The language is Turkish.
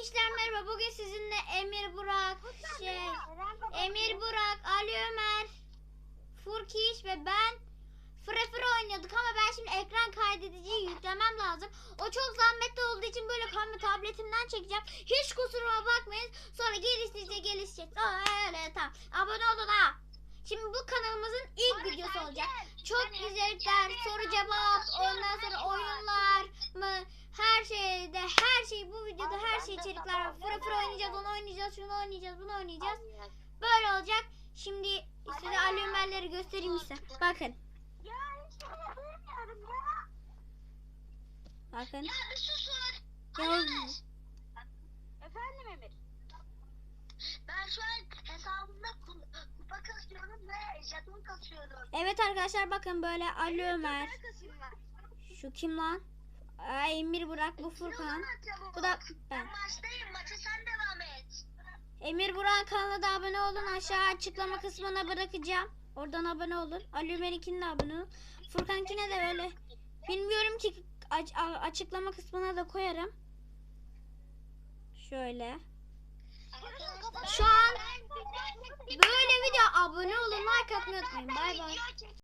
Gençler merhaba. Bugün sizinle Emir Burak, Ali Ömer, Furkiş ve ben Frefir oynuyorduk ama ben şimdi ekran kaydediciyi yüklemem lazım. O çok zahmetli olduğu için böyle tabletimden çekeceğim. Hiç kusuruma bakmayın. Sonra gelişecek. Öyle tamam. Abone olun ha. Şimdi bu kanalımızın ilk videosu olacak. Çok güzeller, soru cevap, ondan sonra oyunlar mı? Her şey bu videoda her şey içerikler var. Frefir oynayacağız, onu oynayacağız, şunu oynayacağız, bunu oynayacağız. Böyle olacak. Şimdi size Ali Ömer'leri göstereyim size. Bakın. Ya hiç bilmiyorum ya. Bakın. Ya bir susun. Gel. Efendim Emir. Ben şu an hesabımda kupa kasıyorum ve jeton kasıyorum. Evet arkadaşlar bakın böyle Ali Ömer. Şu kim lan? Emir Burak, bu Furkan. Bu da ben. Maçtayım. Maça sen devam et. Emir Burak kanalına da abone olun. Aşağı açıklama kısmına bırakacağım. Oradan abone olun. Ali Ömer'inkine de abone olun. Furkan'kine de böyle. Bilmiyorum ki açıklama kısmına da koyarım. Şöyle. Şu an böyle video abone olun. Like atmayı unutmayın. Bay bay.